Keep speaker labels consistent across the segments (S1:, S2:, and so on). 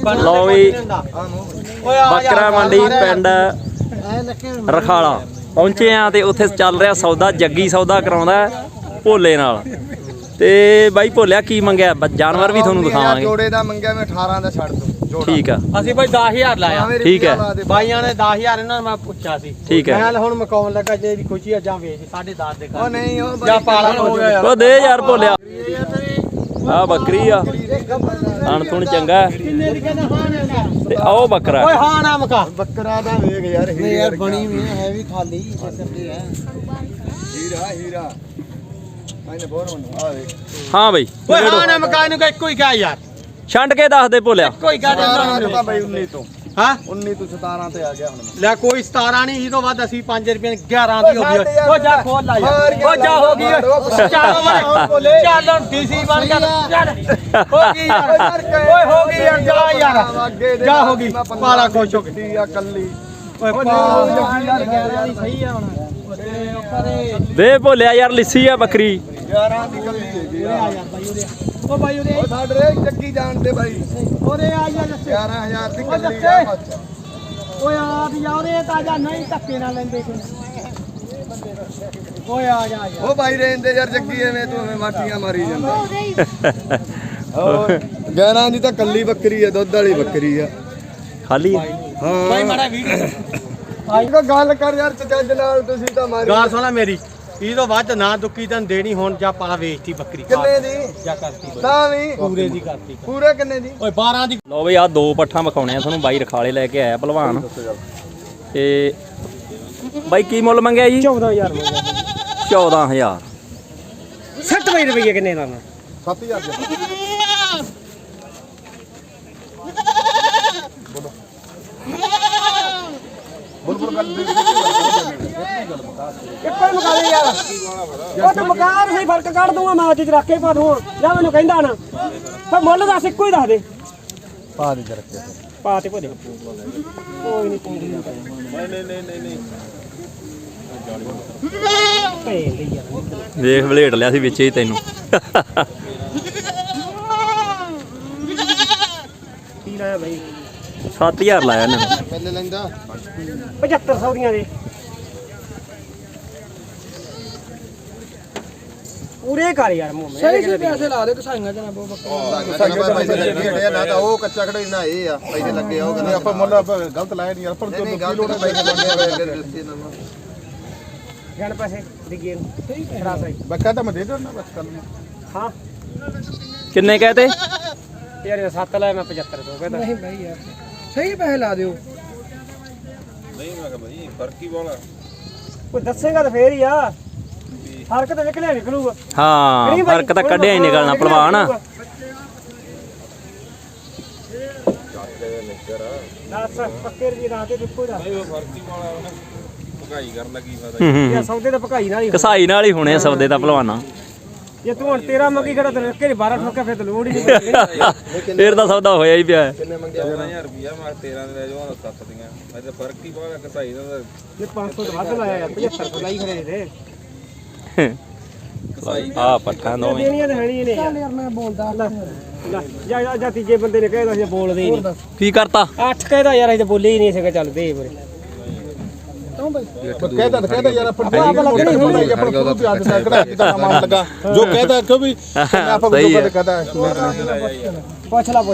S1: ਲਓ ਵੀ ਬੱਕਰਾ ਮੰਡੀ ਪਿੰਡ ਰਖਾਲਾ ਪਹੁੰਚੇ ਆ ਤੇ ਉੱਥੇ ਚੱਲ ਰਿਹਾ ਸੌਦਾ। ਜੱਗੀ ਸੌਦਾ ਕਰਾਉਂਦਾ ਭੋਲੇ ਨਾਲ। ਤੇ ਬਾਈ ਭੋਲਿਆ ਕੀ ਮੰਗਿਆ? ਜਾਨਵਰ ਵੀ ਤੁਹਾਨੂੰ ਦਿਖਾਵਾਂਗੇ।
S2: ਜੋੜੇ ਦਾ ਮੰਗਿਆ ਮੈਂ 18 ਦਾ ਛੱਡ ਦੋ।
S1: ਠੀਕ ਆ,
S3: ਅਸੀਂ ਬਾਈ 10000 ਲਾਇਆ।
S1: ਠੀਕ ਹੈ
S3: ਬਾਈਆਂ ਨੇ 10000 ਇਹਨਾਂ ਨੂੰ ਮੈਂ ਪੁੱਛਿਆ ਸੀ।
S1: ਠੀਕ ਹੈ,
S3: ਮੈਂ ਹੁਣ ਮਕਾਉਣ ਲੱਗਾ ਜੇ ਦੀ ਖੁਸ਼ੀ ਆ ਜਾਂ ਵੇਚ 10.5 ਦੇ ਕਰ।
S2: ਉਹ ਨਹੀਂ ਉਹ
S3: ਜਾਂ ਪਾਲਣ ਹੋ ਗਿਆ ਯਾਰ।
S1: ਉਹ ਦੇ ਯਾਰ ਭੋਲਿਆ। ਆ ਬੱਕਰੀ ਆ, ਹਣ ਥੁਣ ਚੰਗਾ
S3: ਕਿੰਨੇ ਦੀ ਕਹਿੰਦਾ ਹਾਂ ਨਾ
S1: ਤੇ ਆਓ ਬੱਕਰਾ।
S3: ਓਏ ਹਾਂ ਨਾ ਮਕਾ
S2: ਬੱਕਰਾ ਦਾ ਵੇਖ ਯਾਰ।
S3: ਯਾਰ ਬਣੀ ਵੀ ਹੈ ਵੀ ਖਾਲੀ ਚੱਕਰ ਹੈ।
S2: ਹੀਰਾ ਮੈਨੇ ਬੋਰ ਆ ਵੇਖ।
S1: ਹਾਂ ਬਈ
S3: ਓਏ ਹਾਂ ਨਾ ਮਕਾ ਨੂੰ ਇੱਕੋ ਹੀ ਕਹਾ ਯਾਰ।
S1: ਛੰਡ ਕੇ ਦੱਸ ਦੇ ਭੋਲਿਆ।
S3: ਕੋਈ ਗੱਲ
S2: ਤਾਂ ਬਾਈ 19 ਤੋਂ
S3: ਹਾਂ
S2: 19 ਤੋਂ 17 ਤੇ ਆ ਗਿਆ ਹੁਣ।
S3: ਲੈ ਕੋਈ 17 ਨਹੀਂ ਇਹ ਤੋਂ ਵੱਧ ਅਸੀਂ 5 ਰੁਪਏ 11 ਦੀ ਹੋ ਗਈ। ਉਹ ਜਾ ਖੋਲ ਲਾ ਯਾਰ। ਉਹ ਜਾ ਹੋ ਗਈ। ਚੱਲ ਡੀਸੀ ਬਣ ਗਿਆ। ਚੱਲ ਹੋ ਗਈ ਯਾਰ। ਓਏ ਹੋ ਗਈ ਯਾਰ। ਜਾ ਯਾਰ ਜਾ ਹੋ ਗਈ। ਪਾਲਾ ਖੁਸ਼ ਹੋ ਗਈ
S2: ਆ ਕੱਲੀ।
S3: ਓਏ ਪਾ ਯਾਰ 11 ਦੀ ਸਹੀ ਆ ਹੁਣ।
S1: ਦੇ ਭੋਲਿਆ ਯਾਰ ਲਿੱਸੀ ਆ ਬੱਕਰੀ।
S2: 11 ਦੀ ਕੱਲੀ ਹੈਗੀ ਆ
S3: ਯਾਰ ਬਾਈ ਉਰੇ ਉਹ ਬਾਈ ਉਰੇ
S2: ਉਹ ਸਾਡੇ ਰੇ ਚੱਕੀ ਜਾਣਦੇ ਬਾਈ।
S3: ਉਰੇ ਆ ਯਾਰ
S2: 11000 ਦੀ ਕੱਲੀ ਆ।
S3: ਓਏ ਆ ਵੀ ਯਾਰ ਇਹ ਤਾਂ ਜਾ ਨਹੀਂ ਧੱਕੇ ਨਾਲ ਲੈਂਦੇ ਕੋਈ। ਓਏ ਆ ਜਾ ਯਾਰ।
S2: ਉਹ ਬਾਈ ਰਹਿੰਦੇ ਯਾਰ ਜੱਗੀ ਐਵੇਂ ਤੂੰ ਐਵੇਂ ਮਾਟੀਆਂ ਮਾਰੀ ਜਾਂਦਾ। ਹੋਰ 11 ਦੀ ਤਾਂ ਕੱਲੀ ਬੱਕਰੀ ਆ, ਦੁੱਧ ਵਾਲੀ ਬੱਕਰੀ ਆ।
S1: ਖਾਲੀ
S2: ਹਾਂ
S3: ਬਾਈ ਮਾੜਾ ਵੀਡੀਓ
S2: ਆਈ ਕੋ ਗੱਲ ਕਰ ਯਾਰ ਚੱਜ ਨਾਲ। ਤੁਸੀਂ ਤਾਂ ਮਾਰੀ
S3: ਗੱਲ ਸੁਣਾ ਮੇਰੀ। ਇਹ ਤੋਂ ਵੱਧ ਨਾ ਦੁੱਕੀ ਤੈਨੂੰ ਦੇਣੀ ਹੁਣ ਜਾਂ ਪਾ ਵੇਚਤੀ ਬੱਕਰੀ।
S2: ਕਿੰਨੇ ਦੀ?
S3: ਜਾਂ ਕਰਤੀ ਬਾਈ।
S2: ਤਾਂ ਵੀ
S3: ਪੂਰੇ ਦੀ ਕਰਤੀ।
S2: ਪੂਰੇ ਕਿੰਨੇ ਦੀ?
S3: ਓਏ 12 ਦੀ।
S1: ਲਓ ਬਈ ਆ ਦੋ ਪੱਠਾਂ ਵਿਖਾਉਣੇ ਆ ਤੁਹਾਨੂੰ। ਬਾਈ ਰਖਾਲੇ ਲੈ ਕੇ ਆਇਆ ਭਲਵਾਨ। ਤੇ ਬਾਈ ਕੀ ਮੁੱਲ ਮੰਗਿਆ ਜੀ?
S3: 14000 ਮੰਗਿਆ।
S1: 14000।
S3: 60 ਰੁਪਏ ਕਿੰਨੇ ਦਾ?
S2: 7000 ਦੀ। ਬੁਲਬੁਲ ਗੱਲ ਦੇ
S3: ਇੱਕੋ ਹੀ ਮਕਾ ਦੇ ਯਾਰ। ਉਹ ਤਾਂ ਮਕਾਰ ਸਹੀ ਫਰਕ ਕੱਢ ਦੂੰਗਾ ਮੈਂ ਅੱਜ ਰੱਖ ਕੇ ਪਾ ਦੂੰਗਾ। ਜਾਂ ਮੈਨੂੰ ਕਹਿੰਦਾ ਨਾ ਫਿਰ ਮੁੱਲ ਦੱਸ ਇੱਕੋ ਹੀ ਦੱਸ ਦੇ।
S2: ਪਾ ਦੇ ਜਰਾ ਕੇ
S3: ਪਾ ਤੇ ਭੋਲੇ ਕੋਈ ਨਹੀਂ ਕੋਈ ਨਹੀਂ ਭੇਲ ਯਾਰ।
S1: ਵੇਖ ਵਲੇਟ ਲਿਆ ਸੀ ਵਿੱਚ ਹੀ ਤੈਨੂੰ।
S3: ਕੀ ਲਾਇਆ ਬਾਈ?
S1: 7000 ਲਾਇਆ ਇਹਨੇ।
S2: ਪਹਿਲੇ ਲੈਂਦਾ
S3: 7500 ਦੀਆਂ ਦੇ ਪੂਰੇ ਕਰ ਯਾਰ ਮੂੰਹ ਮੇ। ਸਹੀ ਸਹੀ ਪੈਸੇ ਲਾ ਦੇ ਕਸਾਈਆਂ ਜਨਾ ਬਹੁਤ
S2: ਬੱਕਰਾ ਨਾ ਤਾਂ ਉਹ ਕੱਚਾ ਖੜੇ ਨਾ ਇਹ ਆ ਪੈਸੇ ਲੱਗੇ ਆ। ਉਹ ਕਹਿੰਦੇ ਆਪਾਂ ਮੁੱਲ ਗਲਤ ਲਾਇਆ ਨਹੀਂ ਆਪਾਂ ਤੋਂ ਗਲਤ ਪੈਸੇ ਮੰਗੇ
S3: ਜਣ ਪੈਸੇ ਦਿਗੇ ਨੂੰ ਖਰਾ ਸਹੀ
S2: ਬੱਕਾ ਤਾਂ ਮੈਂ ਦੇ ਦੇਣਾ ਬਸ ਕੱਲ
S3: ਹਾਂ।
S1: ਕਿੰਨੇ ਕਹਤੇ
S3: ਯਾਰ ਇਹ 7 ਲਾਇਆ ਮੈਂ 7500 ਕਹਿੰਦਾ। ਨਹੀਂ ਬਾਈ ਯਾਰ ਸਹੀ ਪੈਸੇ ਲਾ ਦਿਓ।
S4: ਨਹੀਂ ਮੈਂ ਕਿਹਾ ਭਾਈ ਫਰਕ ਹੀ ਵਾਲਾ।
S3: ਕੋਈ ਦੱਸੇਗਾ ਤਾਂ ਫੇਰ ਹੀ ਆ। ਫਰਕ ਤਾਂ ਨਿਕਲਿਆ ਨਿਕਲੂਗਾ।
S1: ਹਾਂ ਫਰਕ ਤਾਂ ਕੱਢਿਆ ਹੀ ਨਿਕਲਣਾ ਭਲਵਾਨ।
S3: ਦੱਸ ਪੱਕੇ ਰਜੀ ਰਾਤ ਤੇ ਦੇਖੋ ਦਾ
S4: ਨਹੀਂ ਉਹ ਫਰਕ ਹੀ ਵਾਲਾ ਉਹਨੇ ਭਗਾਈ ਕਰਨ ਲੱਗੀ ਫਾਇਦਾ।
S3: ਯਾ ਸੌਦੇ ਤਾਂ ਭਕਾਈ ਨਾਲ ਹੀ
S1: ਕਸਾਈ ਨਾਲ ਹੀ ਹੋਣੇ ਸੌਦੇ ਤਾਂ ਭਲਵਾਨਾਂ।
S3: ਜੇ ਤੂੰ ਹੁਣ 13 ਮੰਗੀ ਖੜਾ ਤੇ ਰੱਕੇ 12 ਠੋਕਿਆ ਫਿਰ ਤਾਂ ਲੋੜ ਹੀ ਨਹੀਂ।
S1: ਫੇਰ ਤਾਂ ਸੌਦਾ ਹੋਇਆ ਹੀ ਪਿਆ।
S4: ਕਿੰਨੇ ਮੰਗਿਆ 14000 ਰੁਪਿਆ ਮੈਂ 13 ਦੇ ਲੈ ਜਾਵਾਂ 7 ਦੀਆਂ। ਮੈਂ ਤਾਂ ਫਰਕ ਹੀ ਵਾਲਾ ਕਸਾਈ ਦਾ।
S3: ਜੇ 500 ਤੋਂ ਵੱਧ ਲਾਇਆ ਯਾਰ 7500 ਲਾਈ ਖੜੇ ਦੇ
S1: ਆ ਪੱਠਾਂ ਦੋਵੇਂ
S3: ਦੇਣੀਆਂ ਤਾਂ ਹੈਣੀ ਨੇ ਯਾਰ ਮੈਂ ਬੋਲਦਾ ਲੈ ਜਾਂ ਤੀਜੇ ਬੰਦੇ ਨੇ ਕਹਿਦਾ ਸੀ ਬੋਲਦੇ ਹੀ ਨਹੀਂ।
S1: ਕੀ ਕਰਤਾ?
S3: 8 ਕਹਿਦਾ ਯਾਰ ਅਸੀਂ ਤਾਂ ਬੋਲੇ ਹੀ ਨਹੀਂ ਸੀਗਾ। ਚੱਲ ਦੇ ਵੀਰੇ
S2: कहता यार अपन अपन भी आज से कड़ा कितना सामान लगा जो कहता है कभी आप को कहता है
S3: ਪੁੱਛ ਲਾ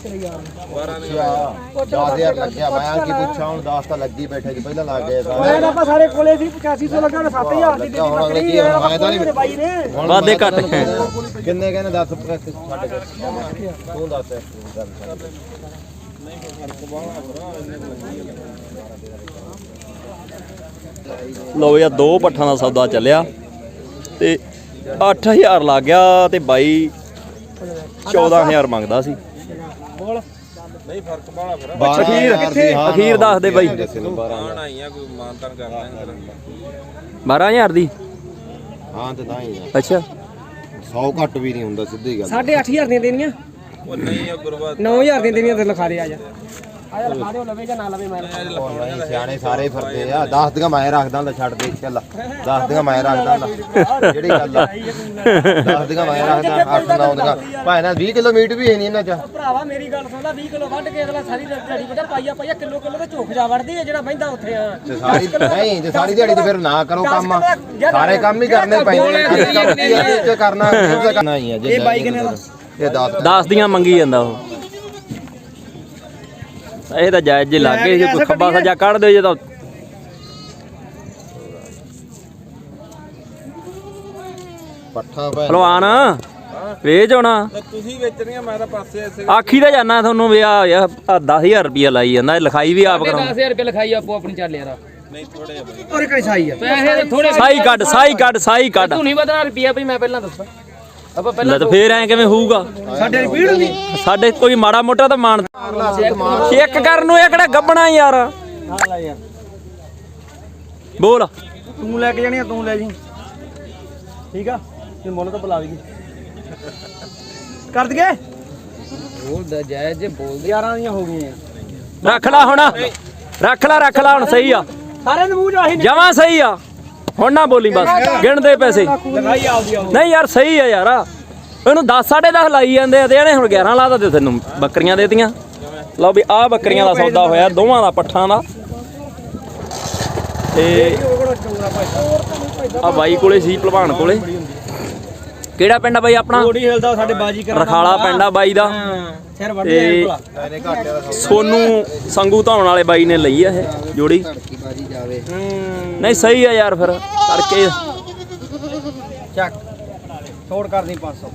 S2: 10000 ਲੱਗਿਆ ਮੈਂ ਕੀ ਪੁੱਛਾਂ ਹੁਣ 10 ਤਾਂ ਲੱਗੀ ਬੈਠੇ ਜੀ ਪਹਿਲਾਂ ਲੱਗ ਗਏ
S3: ਮੈਂ ਤਾਂ ਆਪਾਂ ਸਾਰੇ ਕੋਲੇ ਸੀ 8500 ਲੱਗਾ 7000 ਦੀ ਦਿੱਤੀ ਬੱਕਰੀ ਇਹ ਬਾਈ ਨੇ
S1: ਵਾਦੇ ਘੱਟ।
S2: ਕਿੰਨੇ ਕਹਿੰਦੇ 10 ਤੂੰ ਦੱਸ
S1: ਲਓ ਯਾਰ ਦੋ ਪੱਠਾਂ ਦਾ ਸੌਦਾ ਚੱਲਿਆ ਤੇ 8000 ਲੱਗ ਗਿਆ ਤੇ ਬਾਈ 14000 ਮੰਗਦਾ ਸੀ।
S3: ਬੋਲ
S4: ਨਹੀਂ ਫਰਕ ਵਾਲਾ ਫਿਰ।
S1: ਅਖੀਰ ਦੱਸ ਦੇ ਬਾਈ।
S4: ਆਣ ਆਈਆਂ ਕੋਈ ਮਾਨਤਾਨ ਕਰ ਲੈਣ।
S1: 12000 ਦੀ।
S2: ਹਾਂ ਤੇ ਤਾਂ ਹੀ
S1: ਅੱਛਾ
S2: 100 ਘੱਟ ਵੀ ਨਹੀਂ ਹੁੰਦਾ ਸਿੱਧੀ ਗੱਲ।
S3: 8500 ਦੀਆਂ ਦੇਣੀਆਂ।
S4: ਉਹ ਨਹੀਂ ਆ ਗੁਰਬਾਤ
S3: 9000 ਦੀਆਂ ਦੇਣੀਆਂ ਤੇ ਲਿਖਾ ਦੇ ਆ ਜਾ। ਆਇਆ ਲਿਖਾ ਦਿਓ ਲਵੇ ਜਾਂ ਨਾ ਲਵੇ ਮੈਂ
S5: ਨਹੀਂ ਸਿਆਣੇ ਸਾਰੇ ਫਿਰਦੇ ਆ 10 ਦੀਆਂ ਮੈਂ ਰੱਖਦਾ ਲੈ ਛੱਡ ਦੇ ਚੱਲ 10 ਦੀਆਂ ਮੈਂ ਰੱਖਦਾ ਲੈ ਜਿਹੜੀ ਗੱਲ ਆ 10 ਦੀਆਂ ਮੈਂ ਰੱਖਦਾ 8 9 ਦੀਆਂ ਭਾਵੇਂ ਨਾ 20 ਕਿਲੋ ਮੀਟ ਵੀ ਹੈ ਨਹੀਂ ਇਹਨਾਂ ਚ
S3: ਭਰਾਵਾ ਮੇਰੀ ਗੱਲ ਸੁਣ ਲੈ 20 ਕਿਲੋ ਵੱਢ ਕੇ ਅਗਲਾ ਸਾਰੀ ਦਿਹਾੜੀ ਪਤਾ ਪਾਈਆ ਕਿਲੋ ਤੇ ਝੋਕ ਜਾ ਵੜਦੀ ਹੈ ਜਿਹੜਾ ਬਹਿੰਦਾ ਉੱਥੇ ਆ
S5: ਤੇ ਸਾਰੀ ਨਹੀਂ ਜੇ ਸਾਰੀ ਦਿਹਾੜੀ ਤੇ ਫਿਰ ਨਾ ਕਰੋ ਕੰਮ ਸਾਰੇ ਕੰਮ ਹੀ ਕਰਨੇ ਪੈਂਦੇ ਕਰਨਾ ਹੀ ਆ ਜੇ ਇਹ ਬਾਈ ਕਿਨੇ ਦਾ ਇਹ
S1: 10 ਦੀਆਂ ਮੰਗੀ ਜਾਂਦਾ ਉਹ ਇਹ ਤਾਂ ਜਾਇਜ਼ ਜੇ ਲੱਗੇ ਜੇ ਕੋਈ ਖੱਬਾ ਸੱਜਾ ਕੱਢ ਦਿਓ ਜੇ ਤਾਂ
S5: ਪੱਠਾ ਪੈ
S1: ਭਲਵਾਨ ਵੇਚ ਹੋਣਾ
S4: ਤੁਸੀਂ ਵੇਚਣੀਆਂ ਮੈਂ ਤਾਂ ਪਾਸੇ ਐਸੇ
S1: ਆਖੀ ਤਾਂ ਜਾਨਾ ਤੁਹਾਨੂੰ ਵੀ ਆ 10000 ਰੁਪਇਆ ਲਾਈ ਜਾਂਦਾ ਇਹ ਲਿਖਾਈ ਵੀ ਆਪ ਕਰਾਉਂ
S6: 10000 ਰੁਪਏ ਲਿਖਾਈ ਆਪੋ ਆਪਣੀ ਚੱਲ ਯਾਰ
S4: ਨਹੀਂ ਥੋੜੇ ਜਿਹਾ ਬਈ
S3: ਔਰ ਕਿਹੜੀ ਸਾਈ ਆ
S6: ਪੈਸੇ ਥੋੜੇ
S1: ਸਾਈ ਕੱਢ
S6: ਤੂੰ ਨਹੀਂ ਵਧਣਾ ਰੁਪਿਆ ਭਈ ਮੈਂ ਪਹਿਲਾਂ ਦੱਸਾਂ ਆਪਾਂ ਪਹਿਲਾਂ
S1: ਲੈ ਤਾਂ ਫੇਰ ਐ ਕਿਵੇਂ ਹੋਊਗਾ
S3: ਸਾਡੇ ਪੀੜ ਨਹੀਂ
S1: ਸਾਡੇ ਕੋਈ ਮਾੜਾ ਮੋਟਾ ਤਾਂ ਮਾਣ ਚੈੱਕ ਕਰਨ ਨੂੰ ਇਹ ਕਿਹੜਾ ਗੱਬਣਾ ਯਾਰ ਬੋਲ
S3: ਤੂੰ ਲੈ ਕੇ ਜਾਣੀ ਆ ਤੂੰ ਲੈ ਜੀ ਠੀਕ ਆ ਤੇ ਮੁੱਲ ਤਾਂ ਬੁਲਾ ਦਈਏ ਕਰ ਦਈਏ
S6: ਬੋਲਦਾ ਜਾਇਜ਼ ਜੇ ਬੋਲਦੇ
S3: 11 ਦੀਆਂ ਹੋ ਗਈਆਂ
S1: ਰੱਖ ਲੈ ਹੁਣ ਸਹੀ ਆ
S3: ਸਾਰੇ ਦੇ ਮੂੰਹ ਚ ਆਹੀ
S1: ਜਮਾਂ ਸਹੀ ਆ ਹੁਣ ਨਾ ਬੋਲੀ ਬਸ ਗਿਣਦੇ ਪੈਸੇ
S3: ਲਗਾਈ ਆਉਦੀ ਆ
S1: ਨਹੀਂ ਯਾਰ ਸਹੀ ਆ ਯਾਰ ਇਹਨੂੰ 10 10.5 ਲਾਈ ਜਾਂਦੇ ਆ ਤੇ ਇਹਨੇ ਹੁਣ 11 ਲਾਤਾ ਤੇ ਤੈਨੂੰ ਬੱਕਰੀਆਂ ਦੇਤੀਆਂ ਲਓ ਵੀ ਆਹ ਬੱਕਰੀਆਂ ਦਾ ਸੌਦਾ ਹੋਇਆ ਦੋਵਾਂ ਦਾ ਪੱਠਾਂ ਦਾ ਤੇ ਆ ਬਾਈ ਕੋਲੇ ਸੀ ਭਲਵਾਨ ਕੋਲੇ ਕਿਹੜਾ ਪਿੰਡ ਆ ਬਾਈ ਆਪਣਾ
S3: ਥੋੜੀ ਹਿਲਦਾ ਸਾਡੇ ਬਾਜੀ ਕਰਨ
S1: ਰਖਾਲਾ ਪਿੰਡ ਆ ਬਾਈ ਦਾ
S3: ਸਿਰ ਵੱਢ
S1: ਤੇ ਸੋਨੂ ਸੰਗੂ ਧਾਉਣ ਵਾਲੇ ਬਾਈ ਨੇ ਲਈ ਆ ਇਹ ਜੋੜੀ ਨਹੀਂ ਸਹੀ ਆ ਯਾਰ ਫਿਰ ਕਰਕੇ
S3: ਚੱਕ ਛੋੜ ਕਰਦੀ 500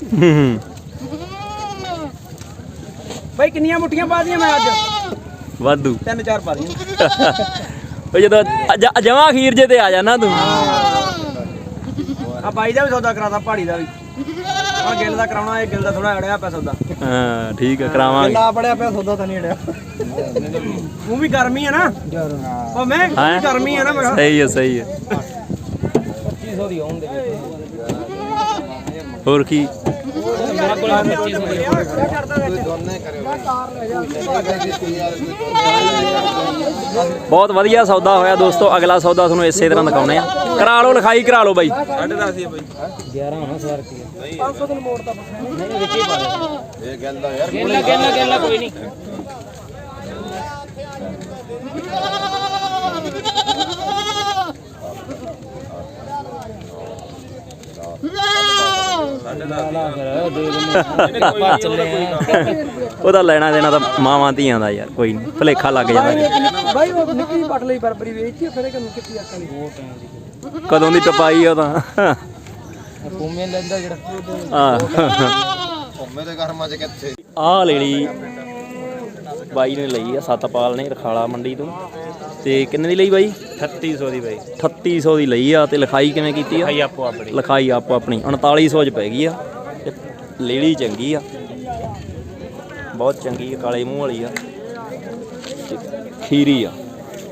S3: ਬਾਈ ਕਿੰਨੀਆਂ ਮੁੱਠੀਆਂ ਪਾ ਦੀਆਂ ਮੈਂ ਅੱਜ
S1: ਵਾਧੂ
S3: 3-4 ਪਾ ਦੀਆਂ
S1: ਉਹ ਜਦੋਂ ਜਮਾ ਅਖੀਰ ਜੇ ਤੇ ਆ ਜਾਣਾ ਤੂੰ
S3: ਆ ਬਾਈ ਦਾ ਵੀ ਸੌਦਾ ਕਰਾਦਾ ਪਹਾੜੀ ਦਾ ਵੀ ਆ ਗਿੱਲ ਦਾ ਕਰਾਉਣਾ ਇਹ ਗਿੱਲ ਦਾ ਥੋੜਾ ਅੜਿਆ ਪਿਆ ਸੌਦਾ
S1: ਹਾਂ ਠੀਕ ਆ ਕਰਾਵਾਂਗੇ
S3: ਨਾ ਪੜਿਆ ਪਿਆ ਸੌਦਾ ਤਾਂ ਨਹੀਂ ਅੜਿਆ ਤੂੰ ਵੀ ਗਰਮੀ ਆ ਨਾ ਉਹ ਮੈਂ ਵੀ ਗਰਮੀ ਆ ਨਾ ਮੈਂ
S1: ਸਹੀ ਹੈ
S6: 2500 ਦੀ ਆਉਣ ਦੇ
S1: ਹੋਰ ਕੀ
S6: ਮੇਰੇ ਕੋਲ 2500 ਦੀ
S1: ਬਹੁਤ ਵਧੀਆ ਸੌਦਾ ਹੋਇਆ ਦੋਸਤੋ ਅਗਲਾ ਸੌਦਾ ਤੁਹਾਨੂੰ ਇਸੇ ਤਰ੍ਹਾਂ ਦਿਖਾਉਣੇ ਆ ਕਰਾ ਲਓ ਲਿਖਾਈ ਕਰਾ ਲਓ ਬਾਈ
S4: 10.5 ਹੀ ਬਈ
S6: 11 ਹੋਣਾ 100 ਰੁਪਏ
S3: 500 ਦਿਨ ਮੋੜ ਤਾਂ
S6: ਨਹੀਂ ਵਿੱਚ ਹੀ ਪਾ ਦੇ
S5: ਇਹ ਗੱਲ ਦਾ ਯਾਰ
S6: ਗੇਲਾ ਕੋਈ ਨਹੀਂ
S1: ਉਹਦਾ ਲੈਣਾ ਦੇਣਾ ਤਾਂ ਮਾਵਾਂ ਧੀਆਂ ਦਾ ਯਾਰ ਕੋਈ ਨਹੀਂ ਭੁਲੇਖਾ ਲੱਗ ਜਾਂਦਾ
S3: ਬਾਈ ਉਹ ਨਿੱਕੀ ਪਟ ਲਈ ਬਰਬਰੀ ਵੇਚੀ ਫਿਰ ਕਿਨੂੰ ਕਿੱਥੇ ਆਕਾ ਲਈ
S1: ਕਦੋਂ ਦੀ ਟਪਾਈ ਉਹ ਤਾਂ
S6: ਪੂਮੇ ਲੈਂਦਾ ਜਿਹੜਾ
S5: ਮੇਰੇ ਘਰਮਾਂ ਚ ਕਿੱਥੇ
S1: ਆਹ ਲੈ ਲਈ ਬਾਈ ਨੇ ਲਈ ਆ ਸਤਪਾਲ ਨੇ ਰਖਾਲਾ ਮੰਡੀ ਤੋਂ ਤੇ ਕਿੰਨੇ ਦੀ ਲਈ ਬਾਈ
S2: 3800 ਦੀ ਬਾਈ
S1: 3800 ਦੀ ਲਈ ਆ ਤੇ ਲਿਖਾਈ ਕਿਵੇਂ ਕੀਤੀ ਆ
S2: ਆਪੋ ਆਪਣੀ
S1: ਲਿਖਾਈ ਆਪੋ ਆਪਣੀ 3900 ਚ ਪੈ ਗਈ ਆ ਤੇ ਲੇੜੀ ਚੰਗੀ ਆ ਬਹੁਤ ਚੰਗੀ ਆ ਕਾਲੇ ਮੂੰਹ ਵਾਲੀ ਆ ਤੇ ਖੀਰੀ ਆ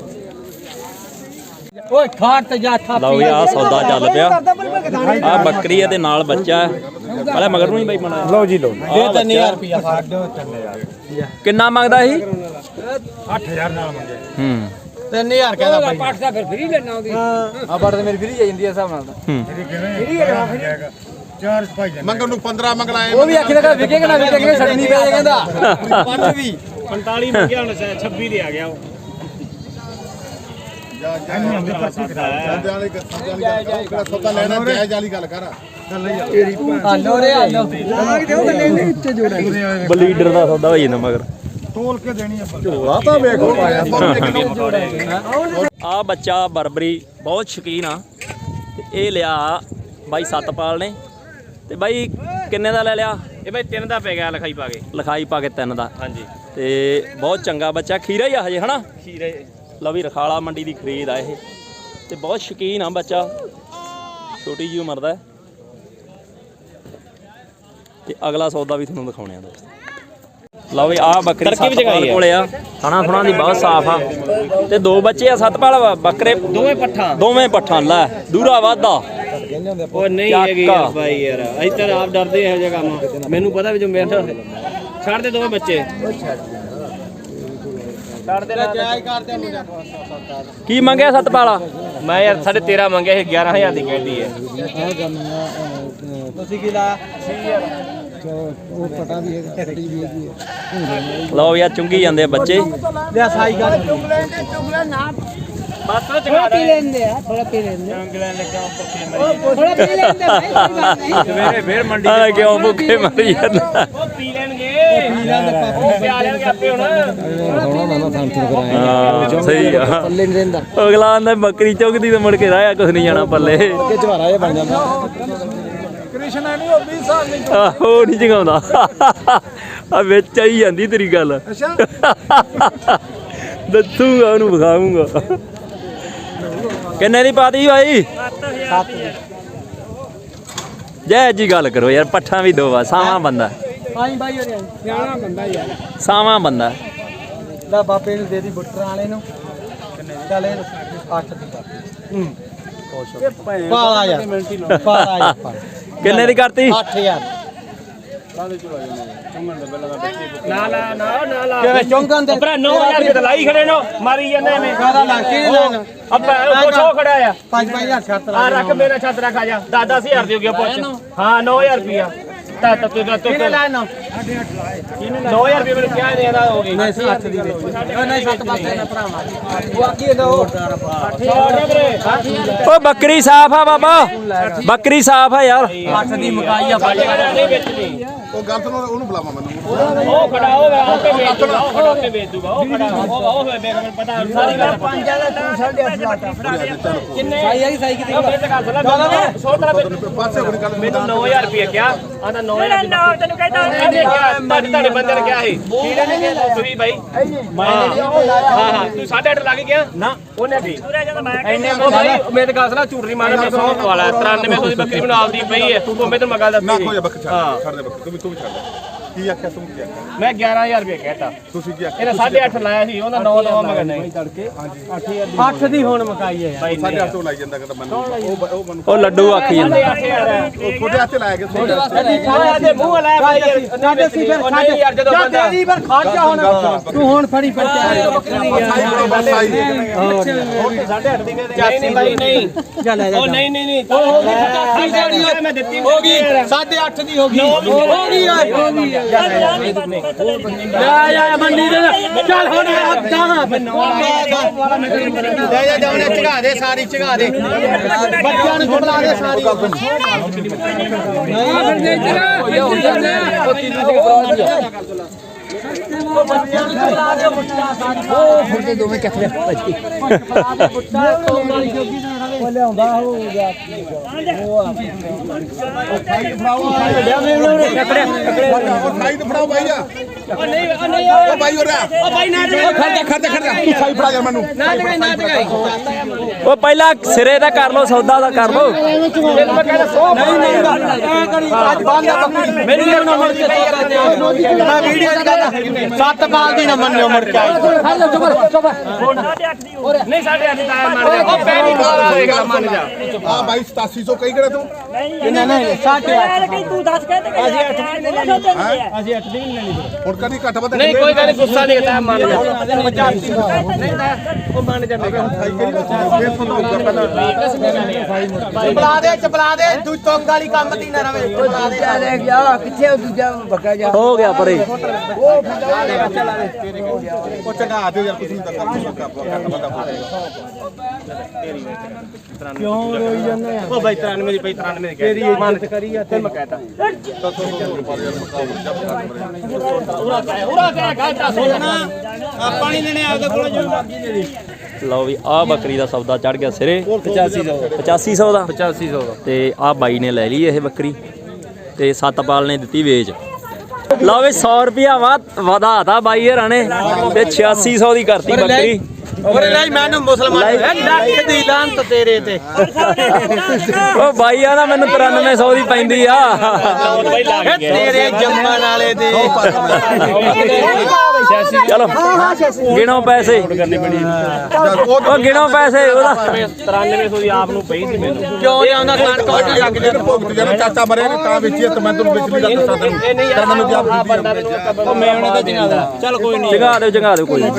S3: ਓਏ ਖਾਟ ਤੇ ਜਾ ਥਾਪੀ
S1: ਲਓ ਆ ਸੌਦਾ ਚੱਲ ਪਿਆ ਆ ਬੱਕਰੀ ਆ ਤੇ ਨਾਲ ਬੱਚਾ ਪਹਿਲੇ ਮਗਰ ਨੂੰ ਹੀ ਬਾਈ ਬਣਾਇਆ
S2: ਲਓ ਜੀ ਲਓ
S1: ਦੇ
S3: 3000 ਰੁਪਿਆ ਸਾਡੇ 3000
S1: ਕਿੰਨਾ ਮੰਗਦਾ ਸੀ
S2: 8000 ਨਾਲ ਮੰਗਿਆ
S3: 3000 ਕਹਿੰਦਾ ਬਾਈ
S6: ਪਾਠ ਦਾ ਫਿਰ ਫਰੀ ਲੈਣਾ ਉਹਦੀ
S3: ਆ ਬੜ ਤੇ ਮੇਰੀ ਫਰੀ ਜਾਂਦੀ ਆ ਹਿਸਾਬ ਨਾਲ ਤਾਂ
S2: ਚਾਰ ਭਾਈ ਮੰਗਣ ਨੂੰ 15 ਮੰਗਲਾਏ
S3: ਉਹ ਵੀ ਆਖੀ ਲਗਾ ਵਿਕੇਗਾ ਨਾ ਵਿਕੇਗਾ ਛੱਡਣੀ ਪੈ ਕਹਿੰਦਾ 5 ਵੀ
S2: 45 ਮੰਗਿਆ ਹੁਣ 26 ਦੇ ਆ ਗਿਆ ਉਹ ਸੌਦਾ ਲੈਣਾ ਜਾਇਜ਼ ਵਾਲੀ ਗੱਲ ਕਰ
S3: ਹਾਲੋ ਰੇ ਹਾਲੋ ਲਾਗ ਦਿਓ ਗੱਲੇ ਨੇ ਉੱਤੇ ਜੋੜਾ
S1: ਬਲੀਡਰ ਦਾ ਸੌਦਾ ਹੋਈ ਜਾਂਦਾ ਮਗਰ
S2: ਤੋਲ ਕੇ ਦੇਣੀ ਆਪਾਂ ਝੋਲਾ ਤਾਂ ਵੇਖੋ ਪਾਇਆ
S1: ਆ ਬੱਚਾ ਬਰਬਰੀ ਬਹੁਤ ਸ਼ੌਕੀਨ ਆ ਤੇ ਇਹ ਲਿਆ ਬਾਈ ਸਤਪਾਲ ਨੇ ਤੇ ਬਾਈ ਕਿੰਨੇ ਦਾ ਲੈ ਲਿਆ
S2: ਇਹ ਬਾਈ 3 ਦਾ ਪੈ ਗਿਆ ਲਿਖਾਈ ਪਾ ਕੇ
S1: ਲਿਖਾਈ ਪਾ ਕੇ 3 ਦਾ
S2: ਹਾਂਜੀ
S1: ਤੇ ਬਹੁਤ ਚੰਗਾ ਬੱਚਾ ਖੀਰਾ ਹੀ ਆ ਹਜੇ ਹਨਾ
S2: ਖੀਰੇ
S1: ਲਓ ਵੀ ਰਖਾਲਾ ਮੰਡੀ ਦੀ ਖਰੀਦ ਆ ਇਹ ਤੇ ਬਹੁਤ ਸ਼ੌਕੀਨ ਆ ਬੱਚਾ ਛੋਟੀ ਜਿਹੀ ਉਮਰ ਦਾ ਹੈ। ਤੇ ਅਗਲਾ ਸੌਦਾ ਵੀ ਤੁਹਾਨੂੰ ਦਿਖਾਉਣੇ ਆ ਦੋਸਤੋ ਲਓ ਵੀ ਆ ਬੱਕਰੀ ਸਤਪਾਲ ਕੋਲੇ ਆ ਥਣਾ ਥੁਣਾ ਦੀ ਬਹੁਤ ਸਾਫ ਆ ਤੇ 2 ਬੱਚੇ ਆ ਸਤਪਾਲ ਬੱਕਰੇ ਦੋਵੇਂ ਪੱਠਾਂ ਲੈ ਦੂਰਾ ਵਾਧਾ
S3: ਉਹ ਨਹੀਂ ਹੈਗੀ ਯਾਰ ਬਾਈ ਯਾਰ ਅਸੀਂ ਤਾਂ ਆਪ ਡਰਦੇ ਇਹੋ ਜਿਹਾ ਕੰਮ ਮੈਨੂੰ ਪਤਾ ਵੀ ਜੋ ਮੇਰੇ ਛੱਡ ਦੇ 2 ਬੱਚੇ
S1: ਕੀ ਮੰਗਿਆ ਸਤਪਾਲ?
S6: ਮੈਂ ਯਾਰ 13.5 ਮੰਗਿਆ ਸੀ 11000 ਦੀ ਕਹਿਤੀ ਹੈ।
S3: ਤੁਸੀਂ ਕੀ ਲਾਇਆ?
S1: ਲਓ ਯਾਰ ਚੁੰਗੀ ਜਾਂਦੇ ਆ ਬੱਚੇ।
S3: ਲਿਆ ਸਾਈ ਗੱਲ
S6: ਬਸ
S3: ਥੋੜਾ ਪੀ ਲੈਂਦੇ ਆ, ਥੋੜਾ ਪੀ ਲੈਂਦੇ ਥੋੜਾ ਪੀ ਲੈਂਦੇ ਭਾਈ, ਕੋਈ ਗੱਲ ਨਹੀਂ।
S6: ਸਵੇਰੇ ਫੇਰ ਮੰਡੀ
S1: ਆ ਕਿਉਂ ਭੁੱਖੇ ਮਰੀ ਜਾਂਦਾ?
S6: ਉਹ ਪੀ ਲੈਣਗੇ ਉਹ ਪਿਆ ਲੈਣਗੇ ਆਪੇ ਹੁਣ।
S1: ਹਾਂ ਸਹੀ ਆ।
S3: ਪੱਲੇ ਨਹੀਂ ਰਹਿੰਦਾ
S1: ਅਗਲਾ ਆਂਦਾ ਬੱਕਰੀ ਚੁਗਦੀ ਤੇ ਮੁੜ ਕੇ ਰਾਇਆ ਕੁਛ ਨਹੀਂ ਜਾਣਾ ਪੱਲੇ।
S3: ਕਿ ਝਵਾਰਾ ਇਹ ਬਣ ਜਾਂਦਾ।
S2: ਕ੍ਰਿਸ਼ਨ ਨਹੀਂ ਉਹ 20 ਸਾਲ ਨਹੀਂ
S1: ਆਹੋ ਨਹੀਂ ਜਗਾਉਂਦਾ ਆ ਵਿੱਚ ਆਈ ਜਾਂਦੀ ਤੇਰੀ ਗੱਲ। ਦੱਸੂਗਾ ਉਹਨੂੰ ਵਿਖਾਉਂਗਾ। ਕਿੰਨੇ ਦੀ ਪਾਤੀ ਭਾਈ?
S3: 7
S1: ਜੈ ਜੀ ਗੱਲ ਕਰੋ ਯਾਰ। ਪੱਠਾ ਵੀ ਦੋ ਵਾ ਸਾਵਾਂ ਬੰਦਾ।
S3: ਆਈ ਬਾਈ ਹੋਰੇ ਸਿਆਣਾ ਬੰਦਾ ਯਾਰ।
S1: ਸਾਵਾਂ ਬੰਦਾ
S3: ਦਾ ਬਾਪੇ ਨੂੰ ਦੇ ਦੀ ਬੁੱਟਰ ਵਾਲੇ ਨੂੰ। ਚੱਲ 8 ਦੀ ਪਾਲਾ ਯਾਰ ਪਾਲਾ ਯਾਰ।
S1: ਕਿੰਨੇ ਦੀ ਕਰਤੀ?
S3: 8000
S6: ਨਾ ਲਾ ਨਾ ਨਾ ਲਾ
S3: ਕਿਵੇਂ ਚੌਂਕਾਂ ਦੇ
S6: ਭਰਾ 9000 ਰੁਪਏ ਤਾਂ ਲਾਈ ਖੜੇ ਨੋ ਮਾਰੀ ਜਾਂਦੇ ਐਵੇਂ।
S3: ਕਾਹਦਾ ਲਾ ਕੇ ਨਹੀਂ ਲੈਣਾ?
S6: ਅੱਪਾ ਉਹ ਛੋ ਖੜਾ ਆ
S3: 5-5000 ਛੱਤ
S6: ਆ ਰੱਖ ਮੇਰਾ ਛੱਤ ਰੱਖ ਆ ਜਾ 10-10000 ਦੀ ਹੋ ਗਿਆ ਪੁੱਛ। ਹਾਂ 9000 ਰੁਪਿਆ ਤਾਂ ਤੂੰ
S3: ਕਿਹਨੇ ਲਾਇਆ ਨਾ?
S6: 9000 ਰੁਪਏ ਮੈਨੂੰ ਕਿਹਾ ਦੇਦਾ ਹੋ ਗਈ।
S3: ਨਹੀਂ 7 ਦੀ ਨਹੀਂ 7 ਪਾਸੇ ਨਾ ਭਰਾਵਾ। ਉਹ ਆਖੀ ਨਾ ਉਹ
S1: ਓ ਬੱਕਰੀ ਸਾਫ ਆ ਬਾਬਾ। ਬੱਕਰੀ ਸਾਫ ਆ ਯਾਰ।
S3: 8 ਦੀ ਮਕਾਈ ਆ ਬਾਈ।
S6: ਨਹੀਂ ਵੇਚਣੀ
S2: ਉਹ ਗੱਲ ਸੁਣੋ ਉਹਨੂੰ ਬੁਲਾਵਾ ਮੈਨੂੰ।
S6: ਉਹ ਖੜਾ ਹੋਗਾ ਆਪੇ ਵੇਚ ਦੂਗਾ। ਉਹ ਖੜਾ ਕੇ ਵੇਚ ਦੂਗਾ। ਉਹ ਖੜਾ ਉਹ ਮੈਨੂੰ ਪਤਾ ਸਾਰੀ ਗੱਲ।
S3: 5 ਦਾ ਤੂੰ 8.5
S6: ਕਿੰਨੇ
S3: ਸਾਈ ਆਈ ਸਾਈ ਕਿਤੇ
S6: ਉਹ ਮੇਰੇ ਤੇ ਗੱਲ ਸੁਣਾ ਸੋਤਰਾ
S2: ਪਾਸੇ ਕੋਈ ਗੱਲ
S6: ਮੈਨੂੰ 9000 ਰੁਪਏ ਕਿਹਾ ਆਂਦਾ 9000 ਨਾ ਤੈਨੂੰ ਕਹਿੰਦਾ ਤੁਹਾਡੇ ਬੰਦੇ ਨੇ ਕਿਹਾ ਸੀ ਤੁਸੀਂ ਬਾਈ ਹਾਂ ਹਾਂ ਤੂੰ 8.5 ਲੱਗ ਗਿਆ ਨਾ ਉਹਨੇ ਵੀ ਐਨੇ ਉਹ ਬਾਈ ਮੇਰੇ ਗੱਲ ਸੁਣਾ ਝੂਠ ਨਹੀਂ ਮਾਰਨਾ। ਮੈਂ 100 ਵਾਲਾ 9300 ਦੀ ਬੱਕਰੀ ਬਣਾ ਆਪਦੀ ਪਈ ਹੈ। ਤੂੰ ਮੈਂ ਤੈਨੂੰ ਮੈਂ ਗੱਲ
S2: ਨਾ
S6: ਦੱਸੀ
S2: ਕੋਈ ਬੱਕਰੀ ਛੱਡ ਦੇ ਬੱਕਰੀ ਤੂੰ ਵੀ ਛੱਡ ਦੇ। ਕੀ ਆਖਿਆ ਤੂੰ ਕੀ ਆਖਿਆ?
S6: ਮੈਂ 11000 ਰੁਪਏ ਕਹਿਤਾ
S2: ਤੁਸੀਂ ਕੀ ਆਖਿਆ?
S6: ਇਹਨੇ 8.5 ਲਾਇਆ ਸੀ ਉਹਦਾ 9 ਦਵਾ ਮਗਰ ਨਹੀਂ
S3: 8 ਦੀ ਹੁਣ ਮਕਾਈ ਹੈ ਯਾਰ।
S2: ਸਾਡੇ ਹੱਥੋਂ ਲਾਈ ਜਾਂਦਾ ਕਹਿੰਦਾ ਮੈਨੂੰ ਉਹ ਮੈਨੂੰ
S1: ਉਹ ਲੱਡੂ ਆਖੀ ਜਾਂਦਾ।
S6: 8.5
S2: ਉਹ ਤੁਹਾਡੇ ਹੱਥੇ ਲਾਇਆ ਗਿਆ ਤੁਹਾਡੇ
S6: ਦੇ ਮੂੰਹ ਲਾਇਆ ਬਾਈ ਯਾਰ
S3: ਸਾਡੇ ਸੀ ਫਿਰ
S6: ਨਹੀਂ ਯਾਰ ਜਦੋਂ ਬੰਦਾ
S3: ਤੇਰੀ ਪਰ ਖੜ ਜਾ ਹੁਣ। ਤੂੰ ਹੁਣ ਫੜੀ ਪਰਚਾ
S6: ਨਹੀਂ ਬਾਈ ਨਹੀਂ
S3: ਚੱਲ ਆ ਜਾ।
S6: ਉਹ ਨਹੀਂ ਨਹੀਂ ਹੋ ਗਈ ਮੈਂ ਦਿੱਤੀ
S3: ਹੋ ਗਈ 8.5 ਦੀ ਹੋ ਗਈ ਹੋ ਗਈ ਓਏ ਹੋ ਗਈ ਲੈ ਮੰਡੀ ਦੇ ਚੱਲ ਹੁਣ ਕਹਾਂ ਲੈ ਜਾ ਜਾਉਣੇ ਚੜਾ ਦੇ ਸਾਰੀ ਚੜਾ ਦੇ ਬੱਚਿਆਂ ਨੂੰ ਛੁਡਲਾ ਦੇ ਸਾਰੀ ਨਹੀਂ ਫਿਰ ਦੇ ਚੜਾ ਹੋ ਜਾਂਦਾ ਉਹ ਤੀਨੂ ਦੇ ਫਰਾਡ ਦੀ ਉਹ ਬੱਚਿਆਂ ਨੂੰ ਛੁਡਲਾ ਦੇ ਬੱਚਾ ਸਾਰੀ ਉਹ ਫੁੱਟੇ ਦੋਵੇਂ ਚੱਕ ਲਿਆ ਭਾਜੀ ਫੜਾ ਦੇ ਬੱਚਾ ਤੋਂ ਵਾਲੀ ਜੋਗੀ ਨਾ ਰਵੇ ਉਹ ਲਿਆਉਂਦਾ ਹੋ ਗਿਆ ਉਹ ਖਾਈ ਫੜਾਓ
S2: ਖਾਈ ਤੇ ਫੜਾਓ ਬਾਈ ਆ
S6: ਨਹੀਂ
S2: ਉਹ ਬਾਈ ਹੋ ਰਿਹਾ
S6: ਉਹ ਬਾਈ ਨਾ
S2: ਖੜਦਾ ਤੂੰ ਖਾਈ ਫੜਾ ਜਾ ਮੈਨੂੰ
S6: ਨਾ ਜਗਾਈ
S1: ਉਹ ਪਹਿਲਾਂ ਸਿਰੇ ਦਾ ਕਰ ਲੋ ਸੌਦਾ ਦਾ ਕਰ ਲੋ।
S6: ਤੈਨੂੰ ਮੈਂ ਕਹਿੰਦਾ 100
S3: ਨਹੀਂ ਐ ਕਰੀ ਅੱਜ ਬੰਦ ਆ ਬੱਕਰੀ
S6: ਮੈਨੂੰ ਨਾ ਮੁੜ ਕੇ
S3: ਮੈਂ ਵੀਡੀਓ ਚ ਕਹਿੰਦਾ 7 ਬਾਲ ਦੀ ਨਾ ਮੰਨਿਓ ਮੁੜ ਕੇ ਖੜ ਜਾ ਚੁੱਪ
S6: ਨਹੀਂ 8.5 ਦਾ ਮੰਨ ਜਾ ਉਹ ਪੈਣੀ ਬਾਲਾ ਹੋਏਗਾ ਮੰਨ ਜਾ
S2: ਆ ਬਾਈ 8700 ਕਹੀ ਕਿਹੜਾ ਤੂੰ
S3: ਨਹੀਂ 8.5
S7: ਤੂੰ ਦੱਸ ਕਹਿੰਦੇ ਅਸੀਂ 8 ਦੀ ਨਹੀਂ ਲੈਣੀ।
S3: ਅਸੀਂ 8 ਦੀ ਨਹੀਂ ਲੈਣੀ
S2: ਹੁਣ ਕਦੀ ਘੱਟ ਵੱਧ
S6: ਨਹੀਂ ਕੋਈ ਗੱਲ ਨਹੀਂ ਗੁੱਸਾ ਨਹੀਂ ਕਰਦਾ ਮੰਨ ਜਾ ਨਹੀਂ ਤਾਂ ਉਹ ਮੰਨ ਜਾਂਦੇ
S3: ਚਪਲਾ ਦੇ ਤੂੰ ਤੋਂਗ ਵਾਲੀ ਕੰਮ ਦੀ ਨਾ ਰਵੇ
S7: ਲੈ ਗਿਆ ਕਿੱਥੇ ਉਹ ਦੂਜਾ ਬੱਕਾ ਜਾ
S1: ਹੋ ਗਿਆ ਪਰੇ।
S2: ਉਹ ਚੰਗਾ ਦਿਓ ਯਾਰ ਕੁਝ ਨਹੀਂ ਦੱਸਦਾ ਘੱਟ ਵੱਧ
S3: ਕਿਉਂ ਰੋਈ ਜਾਂਦੇ ਆ
S6: ਉਹ ਬਾਈ 93 ਦੀ 93 ਦੀ
S3: ਤੇਰੀ ਇੱਜ਼ਤ ਕਰੀ ਆ
S6: ਤੇ ਮੈਂ ਕਹਤਾ ਉਰਾ ਕਹਿ ਗਾਟਾ ਸੋਣਾ
S3: ਆਪਾਂ ਨਹੀਂ ਦੇਣੇ ਆਪਦੇ ਕੋਲ ਜੋ ਮਰਜ਼ੀ ਦੇ ਦੇ
S1: ਲਓ ਵੀ ਆਹ ਬੱਕਰੀ ਦਾ ਸੌਦਾ ਚੜ ਗਿਆ ਸਿਰੇ 8500 ਦਾ
S6: 8500 ਦਾ
S1: ਤੇ ਆਹ ਬਾਈ ਨੇ ਲੈ ਲਈ ਇਹ ਬੱਕਰੀ ਤੇ ਸਤਪਾਲ ਨੇ ਦਿੱਤੀ ਵੇਚ। ਲਓ ਵੀ 100 ਰੁਪਿਆ ਵਧਾਤਾ ਬਾਈ ਹਰਾਂ ਨੇ ਤੇ 8600 ਦੀ ਕਰਤੀ ਬੱਕਰੀ।
S3: ਔਰੇ ਨਹੀਂ ਮੈਨੂੰ ਮੁਸਲਮਾਨ ਲੱਖ ਦੀ ਲਾਂਤ ਤੇਰੇ ਤੇ
S1: ਉਹ ਬਾਈ ਆ ਨਾ ਮੈਨੂੰ 9300 ਦੀ ਪੈਂਦੀ ਆ।
S3: ਤੇਰੇ ਜੰਮਣ ਵਾਲੇ ਦੇ
S1: ਚਲੋ ਗਿਣੋ ਪੈਸੇ ਉਹ ਗਿਣੋ ਪੈਸੇ ਉਹਦਾ
S6: 9300 ਦੀ ਆਪ ਨੂੰ ਪਈ ਸੀ ਮੈਨੂੰ
S3: ਕਿਉਂ ਨਹੀਂ ਆਉਂਦਾ ਕਣਕ ਵੱਢ ਲੱਗ
S2: ਜਿਹੜਾ ਭੋਗਤ ਜਿਹੜਾ ਚਾਚਾ ਮਰਿਆ ਨੇ ਤਾਂ ਵੇਚੀ ਤੇ ਮੈਂ ਤੁਹਾਨੂੰ ਵਿਚਲੀ ਗੱਲ ਦੱਸਾਂ ਤੈਨੂੰ
S6: ਇਹ ਨਹੀਂ
S2: ਤਾਂ ਮੈਨੂੰ
S6: ਆ
S2: ਆਪ
S6: ਬੰਦਾ ਮੈਨੂੰ ਮੈਂ ਉਹਨੇ ਤਾਂ ਜਗਾ ਦੇਣਾ ਚੱਲ ਕੋਈ ਨਹੀਂ
S1: ਜਗਾ ਦਿਓ ਕੋਈ ਨੀ।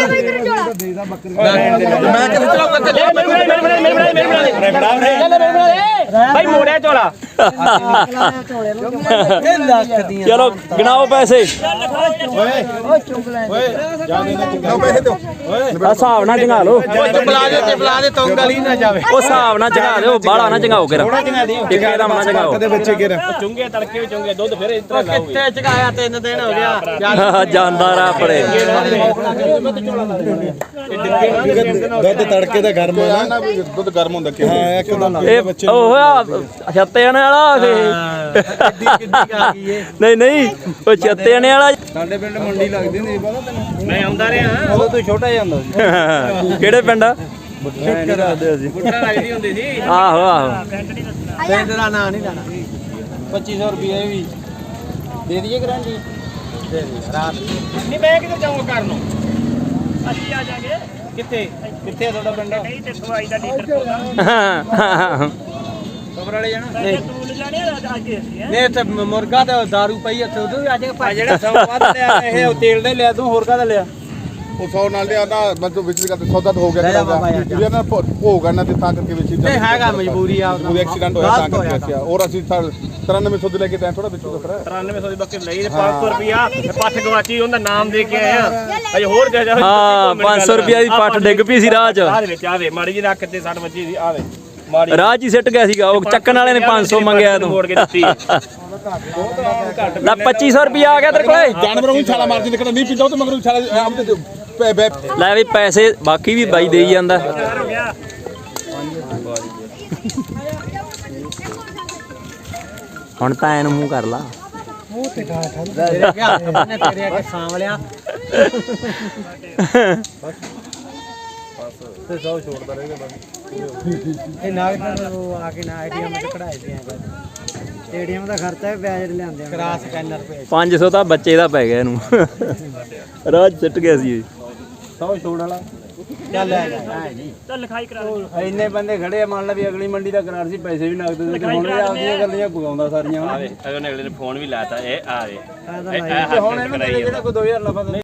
S2: ਮੈਂ ਕਿਹਾ ਚਲਾਉਂਗਾ
S6: ਭਾਈ ਮੋੜਿਆ ਝੋਲਾ
S1: ਚਲੋ ਗਿਣਾਓ ਪੈਸੇ
S2: ਲਓ ਪੈਸੇ ਦਿਓ
S1: ਆ ਹਿਸਾਬ ਨਾਲ ਜੰਗਾ ਲਓ
S3: ਬੁਲਾ ਦੇ ਤੌਂਗ ਵਾਲੀ ਨਾ ਜਾਵੇ
S1: ਉਹ ਹਿਸਾਬ ਨਾਲ ਜੰਗਾ ਦਿਓ ਬਾਹਲਾ ਨਾ ਜੰਗਾਓ ਕਿਰਾ ਟਿੱਕੇ ਦਾ ਨਾ ਜੰਗਾਓ
S2: ਬੱਚੇ ਕਿਹੜੇ
S6: ਚੁੰਗੇ ਤੜਕੇ ਵੀ ਚੁੰਗੇ ਦੁੱਧ ਫਿਰ ਇਸ ਤਰ੍ਹਾਂ ਲਾਓਗੇ
S3: ਕਿੱਥੇ ਚਗਾਇਆ 3 ਦਿਨ ਹੋ ਗਿਆ
S1: ਜਾਂਦਾ ਰਾ ਪਰੇ
S2: ਦੁੱਧ ਤੜਕੇ ਦਾ ਗਰਮ ਹੋਣਾ ਨਾ ਦੁੱਧ ਗਰਮ ਹੁੰਦਾ ਕਿ ਹਾਂ ਇੱਕਦਮ
S1: ਇਹ ਉਹ ਹੋਇਆ ਛੱਤੇ ਆਣੇ ਵਾਲਾ ਨਹੀਂ ਨਹੀਂ ਉਹ ਛੱਤੇ ਆਣੇ ਵਾਲਾ
S2: ਸਾਡੇ ਪਿੰਡ ਮੰਡੀ ਲੱਗਦੀ ਹੁੰਦੀ ਪਤਾ ਤੈਨੂੰ
S6: ਮੈਂ ਆਉਂਦਾ ਰਿਹਾ
S2: ਉਦੋਂ ਤੂੰ ਛੋਟਾ ਹੀ ਹੁੰਦਾ ਸੀ
S1: ਕਿਹੜੇ ਪਿੰਡ ਆ
S2: ਕਰਾਦੇ ਅਸੀਂ
S6: ਬੁੱਢਾ ਲੱਗਦੀ ਹੁੰਦੀ ਸੀ
S1: ਆਹੋ ਆਹੋ
S3: ਪਿੰਡ ਦਾ ਨਾਂ ਨਹੀਂ ਲੈਣਾ
S2: 2500 ਰੁਪਏ ਵੀ
S3: ਦੇ ਦਈਏ ਗਰੰਟੀ
S6: ਨਹੀਂ ਮੈਂ ਕਿੱਥੇ ਜਾਊਂਗਾ ਕਰਨ ਨੂੰ
S7: ਅਸੀਂ ਆ ਜਾਗੇ
S6: ਕਿੱਥੇ ਕਿੱਥੇ ਆ ਤੁਹਾਡਾ ਪਿੰਡ
S7: ਨਹੀਂ ਤੇ ਸਵਾਈ ਦਾ ਲੀਟਰ ਪਾਉਂਦਾ
S6: ਖਬਰ ਵਾਲੇ ਜਾਣਾ
S7: ਨਹੀਂ ਤੂੰ ਲਿਜਾਣੇ ਅੱਜ ਅਸੀਂ ਹੈ
S3: ਨੇ ਤੇ ਮੁਰਗਾ ਤੇ ਦਾਰੂ ਪਈ ਉੱਥੇ ਉਦੋਂ ਵੀ ਆ ਜਾਏਗਾ
S6: ਜਿਹੜਾ ਸਭ ਵੱਧ ਲਿਆ ਇਹ ਤੇਲ ਦਾ ਲਿਆ ਤੂੰ ਹੋਰ ਕਾਹਦਾ ਲਿਆ
S2: ਉਹ 100 ਨਾਲ ਲਿਆ ਨਾ ਮੈਂ ਤੋਂ ਵਿੱਚ ਕਰਦੇ ਸੌਦਾ ਤਾਂ ਹੋ ਗਿਆ ਇਹ ਨਾ ਭੋਗ ਨਾ ਤੇ ਤਾਂ ਕਰਕੇ ਵਿੱਚ
S3: ਨਹੀਂ ਹੈਗਾ ਮਜਬੂਰੀ ਆ
S2: ਉਹ ਐਕਸੀਡੈਂਟ ਹੋਇਆ ਤਾਂ ਕਰਕੇ ਅਸੀਂ ਔਰ ਅਸੀਂ 9300 ਦੇ ਲੈ ਕੇ ਟਾਈਮ ਥੋੜਾ ਵਿੱਚੋਂ ਫਿਰ
S6: 9300 ਦੀ ਬੱਕਰੀ ਲਈ 500 ਰੁਪਿਆ ਪੱਠ ਗਵਾਚੀ ਉਹਦਾ ਨਾਮ ਦੇ ਕੇ ਆਇਆ ਅਜੇ ਹੋਰ ਦੇ ਜਾ
S1: ਹਾਂ 500 ਰੁਪਿਆ ਦੀ ਪੱਠ ਡਿੱਗ ਪਈ ਸੀ ਰਾਹ 'ਚ
S6: ਆਹ ਵਿੱਚ ਆਵੇ ਮਾੜੀ ਜੀ ਰੱਖ ਤੇ 60 ਵੱਜੀ ਸੀ ਆਵੇ ਮਾੜੀ
S1: ਰਾਹ 'ਚ ਹੀ ਸਿੱਟ ਗਿਆ ਸੀਗਾ ਉਹ ਚੱਕਣ ਵਾਲੇ ਨੇ 500 ਮੰਗਿਆ ਤੂੰ
S6: ਮੋੜ ਕੇ ਦਿੱਤੀ
S1: ਲੈ 2500 ਰੁਪਿਆ ਆ ਗਿਆ ਤੇਰੇ ਕੋਲੇ
S2: ਜਾਨਵਰਾਂ ਨੂੰ ਛਾਲਾ ਮਾਰਦੀ ਨਿਕਲਦਾ ਨਹੀਂ ਪੀਂਦਾ ਉਹ ਤੇ ਮਗਰੋਂ ਛਾਲਾ ਆਮ ਤੇ
S1: ਲੈ ਵੀ ਪੈਸੇ ਬਾਕੀ ਵੀ ਬਾਈ ਦੇਈ ਜਾਂਦਾ
S7: ਹੋ ਗਿਆ
S1: ਹੁਣ ਤਾਂ ਐਨ ਮੂੰਹ ਕਰ ਲਾ
S3: ਤੇਰੇ ਅੱਗੇ ਸਾਂਵਲਿਆ
S2: ਤੇ 100 ਛੋੜਦਾ ਰਹੇਗਾ ਬਸ
S3: ਇਹ ਨਾਗਰ ਨੂੰ ਆ ਕੇ ਨਾ ਆਈਡੀਐਮ ਤੇ ਕਢਾਏ ਦਿਆਂ ਸਟੇਡੀਅਮ ਦਾ ਖਰਚਾ ਵੀ ਵਿਆਜ ਲਿਆਂਦੇ ਆ ਕਰਾਸ ਸਕੈਨਰ ਭੇਜ
S1: 500 ਤਾਂ ਬੱਚੇ ਦਾ ਪੈ ਗਿਆ ਇਹਨੂੰ ਰਾਹ 'ਚ ਸਿੱਟ ਗਿਆ ਸੀ
S3: 100 ਛੋੜ ਵਾਲਾ ਚੱਲ ਲੈ ਜਾ ਜੀ
S7: ਚੱਲ ਲਿਖਾਈ ਕਰਾ ਦੇ
S2: ਇੰਨੇ ਬੰਦੇ ਖੜੇ ਆ ਮੰਨ ਲਾ ਵੀ ਅਗਲੀ ਮੰਡੀ ਦਾ ਕਰਾਰ ਸੀ ਪੈਸੇ ਵੀ ਨਗਦ ਦੇ ਹੁਣ ਇਹ ਆਪਦੀਆਂ ਗੱਲਾਂ ਗੁਗਾਉਂਦਾ ਸਾਰੀਆਂ
S6: ਆਵੇ ਅਗਲੇ ਨੇ ਫੋਨ ਵੀ ਲਾਤਾ ਇਹ ਆਵੇ
S2: ਹੁਣ ਇਹਨੂੰ ਦੇ ਜਿਹੜਾ ਕੋਈ 2000 ਲਫਾ ਦੇ